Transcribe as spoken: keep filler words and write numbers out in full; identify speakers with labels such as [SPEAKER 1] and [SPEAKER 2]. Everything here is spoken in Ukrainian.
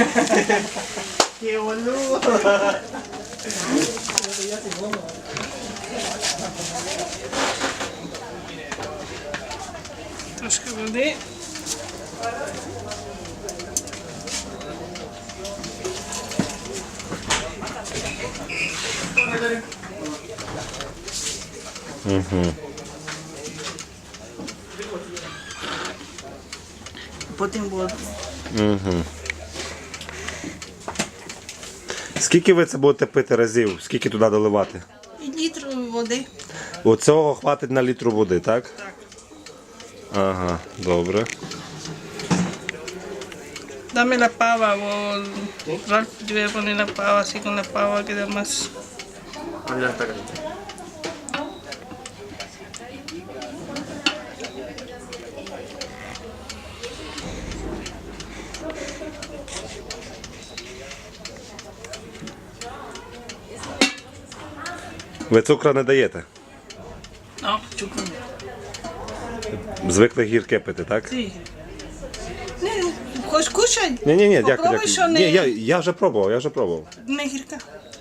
[SPEAKER 1] Che boludo.
[SPEAKER 2] Трошки води.
[SPEAKER 3] Угу.
[SPEAKER 2] Потім воду.
[SPEAKER 3] Угу. Скільки ви це будете пити разів? Скільки туди доливати?
[SPEAKER 2] І літр води.
[SPEAKER 3] Оцього хватить на літру води, так?
[SPEAKER 2] Так.
[SPEAKER 3] Ага, добре.
[SPEAKER 2] Dame la pava o Ralph debe poner la pava, así con la pava queda más.
[SPEAKER 1] Ya está caliente.
[SPEAKER 3] Ви цукру не даєте?
[SPEAKER 2] No, chucro.
[SPEAKER 3] Звикли гірке пити, так?
[SPEAKER 2] Sí. Не, хоч кушай.
[SPEAKER 3] Ні, ні, ні, дякую,
[SPEAKER 2] Попробуй,
[SPEAKER 3] дякую.
[SPEAKER 2] що не,
[SPEAKER 3] Ні, я, я вже пробував, я вже пробував.
[SPEAKER 2] не гірка.